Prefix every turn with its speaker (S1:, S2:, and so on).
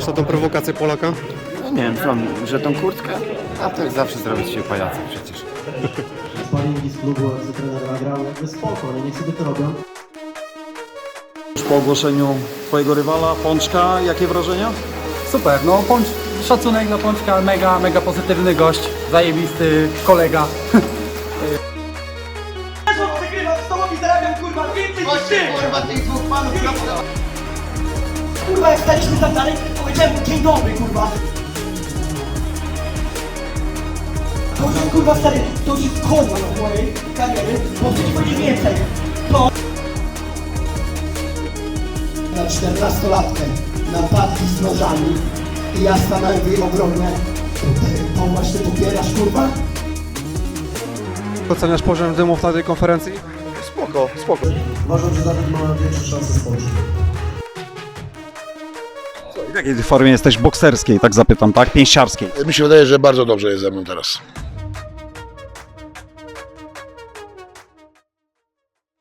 S1: na tą prowokację Polaka?
S2: No nie wiem, co, że tą kurtkę? A to jak zawsze zrobić się pajaca przecież.
S3: Sparingi z klubu, jak trener nagrał, jakby spoko, ale niech sobie to robią.
S4: Już po ogłoszeniu twojego rywala, Pączka, jakie wrażenia?
S5: Super, no szacunek dla Pączka, mega pozytywny gość, zajebisty kolega.
S6: Wygrywam z tobą i zarabiam kurwa więcej niż ty! Kurwa tych dwóch panów kurwa jak staliśmy tam dalej, powiedziałem mu dzień dobry kurwa. Powiedziałem kurwa stary, to już jest koniec mojej kariery, bo ty nie będziesz więcej. To... Na 14-latkę napadli z nożami i ja stanąłem w jej obronie. To właśnie popierasz kurwa?
S1: Oceniasz poziom dymów na tej konferencji?
S4: Spoko.
S3: Uważam, że Dawid ma większe szanse z Polski.
S4: W jakiej formie jesteś bokserskiej, tak zapytam, tak? Pięściarskiej.
S7: Mi się wydaje, że bardzo dobrze jest ze mną teraz.